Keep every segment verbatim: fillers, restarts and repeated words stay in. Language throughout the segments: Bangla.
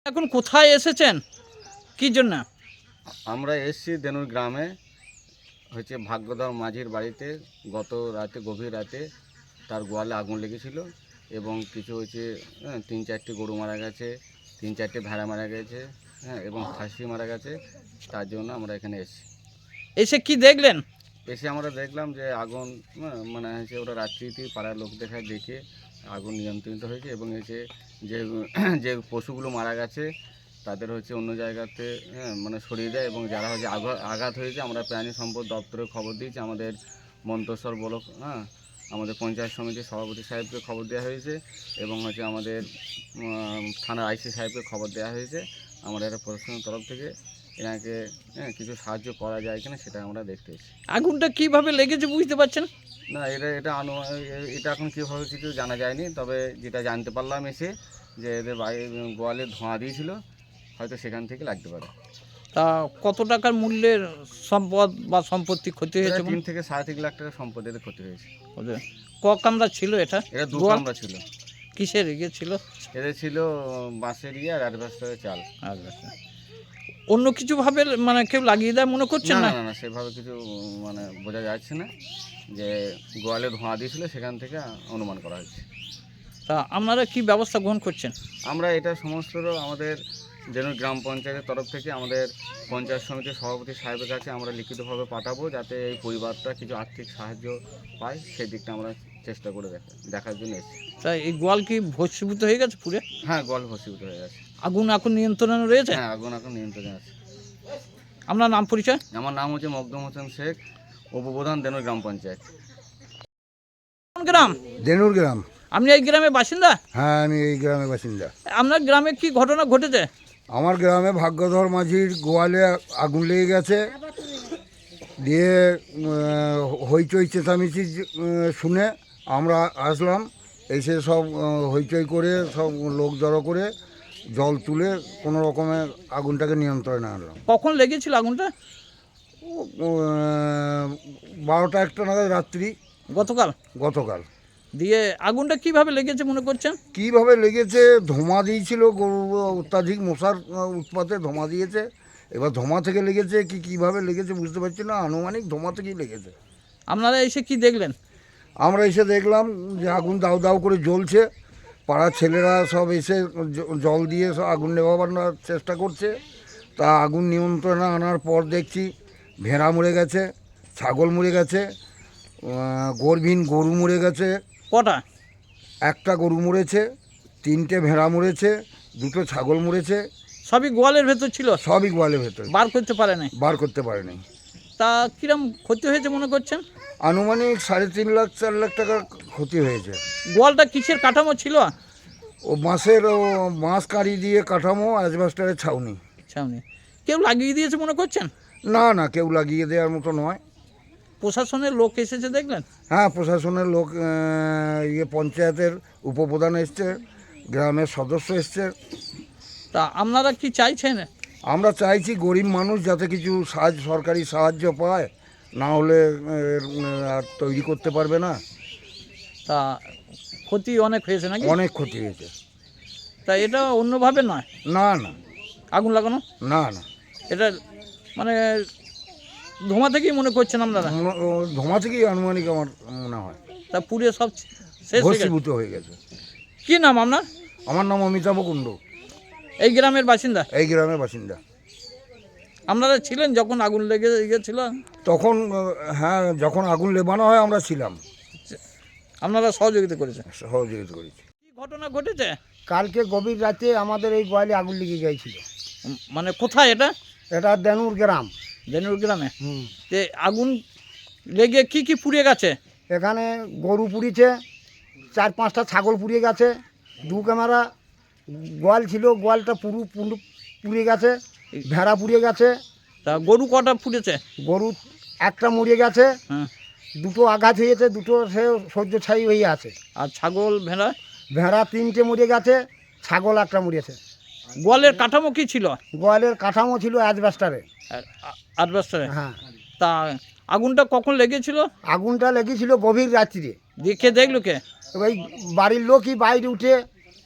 এখন কোথায় এসেছেন, কি জন্য? আমরা এসছি দেনুর গ্রামে, হচ্ছে ভাগ্যধর মাঝির বাড়িতে। গত রাতে, গভীর রাতে তার গোয়ালে আগুন লেগেছিল এবং কিছু হচ্ছে হ্যাঁ, তিন চারটে গরু মারা গেছে, তিন চারটে ভেড়া মারা গেছে, হ্যাঁ, এবং খাসি মারা গেছে। তার জন্য আমরা এখানে এসেছি। এসে কি দেখলেন? এসে আমরা দেখলাম যে আগুন হ্যাঁ, মানে হচ্ছে ওরা রাত্রিতে পাড়ার লোক দেখায় দেখে আগুন নিয়ন্ত্রিত হয়েছে এবং হচ্ছে যে যে পশুগুলো মারা গেছে তাদের হচ্ছে অন্য জায়গাতে হ্যাঁ মানে সরিয়ে দেয় এবং যারা হচ্ছে আঘাত আঘাত হয়েছে আমরা প্রাণী সম্পদ দপ্তরে খবর দিয়েছি, আমাদের মন্তেশ্বর ব্লক হ্যাঁ আমাদের পঞ্চায়েত সমিতির সভাপতি সাহেবকে খবর দেওয়া হয়েছে এবং হচ্ছে আমাদের থানার আইসি সাহেবকে খবর দেওয়া হয়েছে। আমাদের একটা প্রশাসনের তরফ থেকে এনাকে হ্যাঁ কিছু সাহায্য করা যায় কিনা সেটা আমরা দেখতে এসেছি। আগুনটা কিভাবে লেগেছে বুঝতে পারছেন? না, এটা এটা আনু এটা এখন কীভাবে কিছু জানা যায়নি, তবে যেটা জানতে পারলাম এসে যে এদের বাড়ি গোয়ালে ধোঁয়া দিয়েছিল, হয়তো সেখান থেকে লাগতে পারে। তা কত টাকার মূল্যের সম্পদ বা সম্পত্তি ক্ষতি হয়েছে? তিন থেকে সাড়ে তিন লাখ টাকার সম্পদ এদের ক্ষতি হয়েছে। ক কামরা ছিল এটা? এটা দু গোয়াল কামরা ছিল। কিসের ইয়ে ছিল? এদের ছিল বাঁশের ইয়ে আর অ্যাডভাস্টারের চাল। আচ্ছা, অন্য কিছু ভাবে মানে কেউ লাগিয়ে দেয় মনে করছেন? না না না না সেভাবে কিছু মানে বোঝা যাচ্ছে না, যে গোয়ালে ধোঁয়া দিয়েছিল সেখান থেকে অনুমান করা হচ্ছে। তা আপনারা কি ব্যবস্থা গ্রহণ করছেন? আমরা এটা সমস্ত আমাদের দেনুর গ্রাম পঞ্চায়েতের তরফ থেকে আমাদের পঞ্চায়েত সমিতির সভাপতি সাহেবের কাছে আমরা লিখিতভাবে পাঠাবো, যাতে এই পরিবারটা কিছু আর্থিক সাহায্য পায়, সেই দিকটা আমরা চেষ্টা করে দেখা দেখার জন্য এসেছি। তা এই গোয়াল কি ভস্মীভূত হয়ে গেছে পুরে? হ্যাঁ, গোয়াল ভস্মীভূত হয়ে গেছে। আগুন এখন নিয়ন্ত্রণে রয়েছে? হ্যাঁ, আগুন এখন নিয়ন্ত্রণে আছে। আপনার নাম পরিচয়? আমার নাম হচ্ছে মকদুম হোসেন শেখ, উপপ্রধান দেনুর গ্রাম পঞ্চায়েত। কোন গ্রাম? দেনুর গ্রাম। আপনি এই গ্রামের বাসিন্দা? হ্যাঁ, আমি এই গ্রামের বাসিন্দা। আপনার গ্রামে কি ঘটনা ঘটেছে? আমার গ্রামে ভাগ্যধর মাঝির গোয়ালে আগুন লেগে গেছে, দিয়ে হইচই চেঁচামেচি শুনে আমরা আসলাম, এসে সব হইচই করে সব লোক জড়ো করে জল তুলে কোনো রকমে আগুনটাকে নিয়ন্ত্রণে আনলাম। কখন লেগেছিল আগুনটা? বারোটা একটা নাগাদ রাত্রি, গতকাল। গতকাল। দিয়ে আগুনটা কিভাবে লেগেছে মনে করছেন? কিভাবে লেগেছে, ধোঁয়া দিয়েছিল, গরু অত্যাধিক মশার উৎপাতে ধোঁয়া দিয়েছে। এবার ধোঁয়া থেকে লেগেছে কি কিভাবে লেগেছে বুঝতে পারছি না, আনুমানিক ধোঁয়া থেকেই লেগেছে। আপনারা এসে কি দেখলেন? আমরা এসে দেখলাম যে আগুন দাউ দাউ করে জ্বলছে, পাড়ার ছেলেরা সব এসে জল দিয়ে সব আগুন নেভাবার চেষ্টা করছে। তা আগুন নিয়ন্ত্রণে আনার পর দেখছি ভেড়া মরে গেছে, ছাগল মরে গেছে, গর্ভীন গরু মরে গেছে। কটা? একটা গরু মরেছে, তিনটে ভেড়া মরেছে, দুটো ছাগল মরেছে। সবই গোয়ালের ভেতর ছিল? সবই গোয়ালের ভেতর। বার করতে পারে নাই? বার করতে পারেনি। তা কিরম ক্ষতি হয়েছে মনে করছেন? আনুমানিক সাড়ে তিন লাখ চার লাখ টাকার ক্ষতি হয়েছে। গোয়ালটা কিসের কাঠামো ছিল? ও বাঁশের, ও বাঁশ কাঁড়ি দিয়ে কাঠামো, অ্যাজবেস্টারের ছাউনি। ছাউনি। কেউ লাগিয়ে দিয়েছে মনে করছেন? না না, কেউ লাগিয়ে দেওয়ার মতো নয়। প্রশাসনের লোক এসেছে দেখলেন? হ্যাঁ, প্রশাসনের লোক, ইয়ে পঞ্চায়েতের উপপ্রধান এসছে, গ্রামের সদস্য এসছে। তা আপনারা কি চাইছেন? আমরা চাইছি গরিব মানুষ যাতে কিছু সাহায্য, সরকারি সাহায্য পায়, না হলে আর তৈরি করতে পারবে না। তা ক্ষতি অনেক হয়েছে নাকি? অনেক ক্ষতি হয়েছে। তা এটা অন্যভাবে নয়? না না, আগুন লাগানো না না, এটা মানে ধোঁয়া থেকেই মনে করছেন আপনারা? ধোঁয়া থেকেই আনুমানিক আমার মনে হয়। তা পুড়ে সব শেষ হয়ে গেছে? ভস্মীভূত হয়ে গেছে। কি নাম আপনার? আমার নাম অমিতাভ কুণ্ডু। এই গ্রামের বাসিন্দা? এই গ্রামের বাসিন্দা। আপনারা ছিলেন যখন আগুন লেগে গিয়েছিল? তখন হ্যাঁ, যখন আগুন নেভানো হয় আমরা ছিলাম। আপনারা সহযোগিতা করেছেন? সহযোগিতা করেছি। কি ঘটনা ঘটেছে? কালকে গভীর রাতে আমাদের এই গোয়ালে আগুন লেগে গিয়েছিল। মানে কোথায় এটা? এটা দেনুর গ্রাম। দেনুর গ্রামে? হুম। যে আগুন লেগে কি কি পুড়ে গেছে? এখানে গরু পুড়িয়েছে, চার পাঁচটা ছাগল পুড়িয়ে গেছে, দু ক্যামেরা গোয়াল ছিল, গোয়ালটা পুরো পুরো পুড়ে গেছে, ভেড়া পুড়িয়ে গেছে। তা গরু কটা পুড়েছে? গরু একটা মরে গেছে, হ্যাঁ। দুটো আঘাত হয়েছে, দুটো সে সহ্য ছাই হয়ে আছে। আর ছাগল ভেড়া? ভেড়া তিনটে মরে গেছে, ছাগল একটা মরেছে। গোয়ালের কাঠামো কি ছিল? গোয়ালের কাঠামো ছিল অ্যাজবেস্টারে। অ্যাজবেস্টারে? হ্যাঁ। তা আগুনটা কখন লেগেছিল? আগুনটা লেগেছিল গভীর রাত্রিরে। দেখে দেখলো কে? ওই বাড়ির লোকই বাইরে উঠে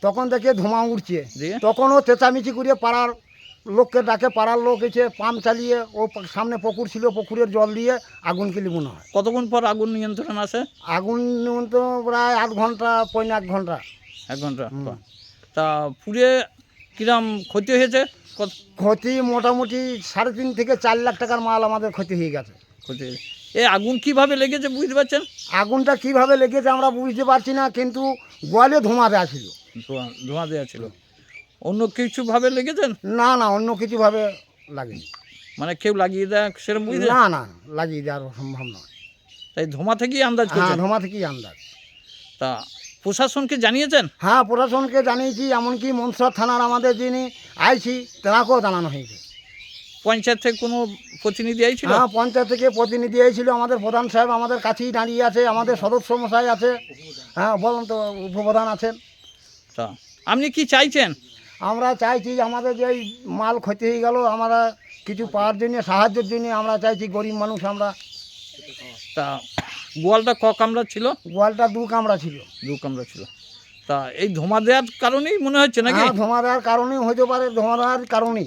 তখন দেখে ধোঁয়া উঠছে, দিয়ে? তখনও চেঁচামেচি করে পাড়ার লোককে ডাকে, পাড়ার লোক এসে পাম্প চালিয়ে ও পা- সামনে পুকুর ছিল, পুকুরের জল দিয়ে আগুনকে লিমুনো হয়। কতক্ষণ পর আগুন নিয়ন্ত্রণ আসে? আগুন তো প্রায় আধ ঘন্টা পৌনে এক ঘন্টা। এক ঘন্টা হুম। পর। তা পুড়ে কিরম ক্ষতি হয়েছে? কত ক্ষতি মোটামুটি সাড়ে তিন থেকে চার লাখ টাকার মাল আমাদের ক্ষতি হয়ে গেছে। ক্ষতি হয়েছে? এই আগুন কিভাবে লেগেছে বুঝতে পারছেন? আগুনটা কিভাবে লেগেছে আমরা বুঝতে পারছি না, কিন্তু গোয়ালে ধোঁয়া দেওয়া ছিল। ধোঁয়া ধোঁয়া দেওয়া ছিল। অন্য কিছুভাবে লেগেছেন? না না, অন্য কিছুভাবে লাগেনি। মানে কেউ লাগিয়ে দেয় সেরকম বুঝতে? না না, লাগিয়ে দেওয়ার সম্ভব নয়। তাই ধোঁয়া থেকেই আন্দাজ হ্যাঁ, করছেন? ধোঁয়া থেকেই আন্দাজ। তা প্রশাসনকে জানিয়েছেন? হ্যাঁ, প্রশাসনকে জানিয়েছি, এমনকি মনসর থানার আমাদের যিনি আইছি তেনাকেও জানানো হয়েছে। পঞ্চায়েত থেকে কোনো প্রতিনিধি আইছিল? হ্যাঁ, পঞ্চায়েত থেকে প্রতিনিধি এসেছিল, আমাদের প্রধান সাহেব আমাদের কাছেই দাঁড়িয়ে আছে, আমাদের সদস্য মশাই আছে, হ্যাঁ বলুন তো, উপপ্রধান আছেন। তা আপনি কি চাইছেন? আমরা চাইছি আমাদের যে এই মাল ক্ষতি হয়ে গেল, আমরা কিছু পাওয়ার জন্য, সাহায্যের জন্য আমরা চাইছি, গরিব মানুষ আমরা। তা গোয়ালটা ক কামরা ছিল? গোয়ালটা দু কামরা ছিল। দু কামরা ছিল। তা এই ধোঁয়া দেওয়ার কারণেই মনে হচ্ছে নাকি? হ্যাঁ, ধোঁয়া দেওয়ার কারণেই হতে পারে, ধোঁয়া দেওয়ার কারণেই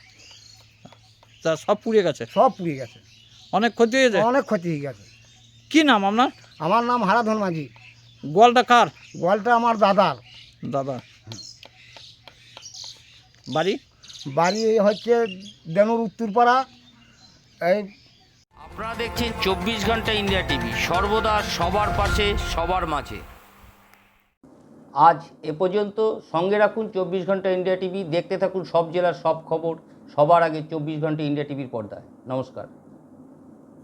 তা সব পুড়ে গেছে? সব পুড়ে গেছে, অনেক ক্ষতি হয়েছে? অনেক ক্ষতি হয়ে গেছে। কি নাম আপনার? আমার নাম হারাধন মাঝি। গোয়ালটা কার? গোয়ালটা আমার দাদার। দাদা। বাড়ি? বাড়ি এই হচ্ছে দেনুর উত্তরপাড়া। এই আপনারা দেখছেন চব্বিশ ঘন্টা ইন্ডিয়া টিভি, সর্বদা সবার পাশে সবার মাঝে। আজ এ পর্যন্ত। সঙ্গে রাখুন চব্বিশ ঘন্টা ইন্ডিয়া টিভি, দেখতে থাকুন সব জেলার সব খবর সবার আগে চব্বিশ ঘন্টা ইন্ডিয়া টিভির পর্দায়। নমস্কার।